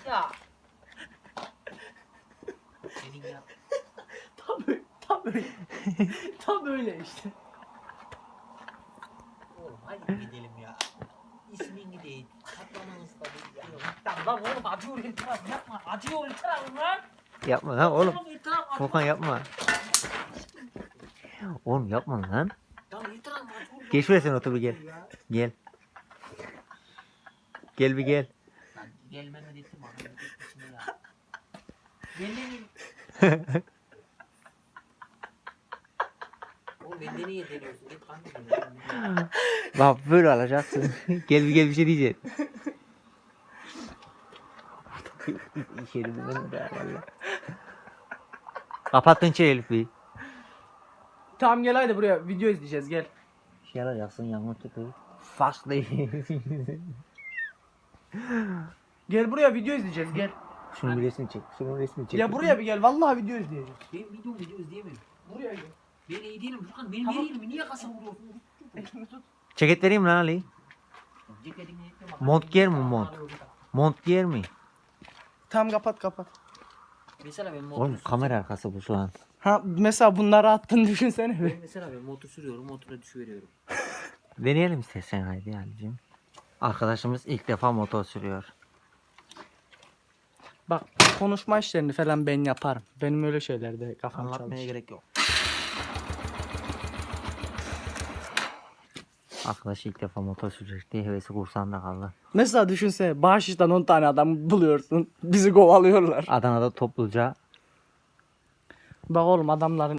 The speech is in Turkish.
Ya. Senin ya. Tam böyle. Tam böyle işte. Oğlum hadi gidelim ya. İsmin değil. Katlamanız da değil ya. Tamam lan oğlum acıyor itiraf yapma. Acıyor itiraf lan. Yapma lan oğlum. İtiraf acıyor. Furkan yapma. Oğlum yapma lan. Tamam itiraf acıyor. Geç şuraya sen otur bir gel. Gel. Gel bir gel. Lan gelmeme dedim abi. Şimdi ya. Gelmeyin. Oğlum beni niye deniyorsun? Git kanka. Bak böyle alacaksın. Gel bir şey diyeceksin. İçeri bir valla. Kapattın içeri Elif bir. Tamam gel hadi buraya video izleyeceğiz gel. Şey alacaksın yağmur tüpü. Faslı. Gel buraya video izleyeceğiz gel. Şunu bir resmi çek. Şunu resmi çek. Ya buraya bir gel vallahi video izleyeceğiz. Ben video izleyemiyorum. Buraya gel. Ben iyi değilim Furkan. Benim iyi değilim. Niye kasa vuruyorsun? Elini tut. Ceket vereyim lan Ali. Ceketini ekleme. Mont giyer mi mont? Mont giyer mi? Tamam kapat. Mesela ben motor Oğlum kamera arkası bu şu an. Ha mesela bunları attın düşünsene bir. Mesela ben motor sürüyorum. Motora düşüveriyorum. Deneyelim istersen haydi Ali'cim. Arkadaşımız ilk defa motor sürüyor. Bak konuşma işlerini falan ben yaparım. Benim öyle şeylerde kafam Anlatmaya çalışır. gerek yok. Arkadaş ilk defa motor sürecek diye hevesi kursağında kaldı. Mesela düşünsene bahşişten 10 tane adam buluyorsun. Bizi kovalıyorlar. Adana'da topluca Bak oğlum adamların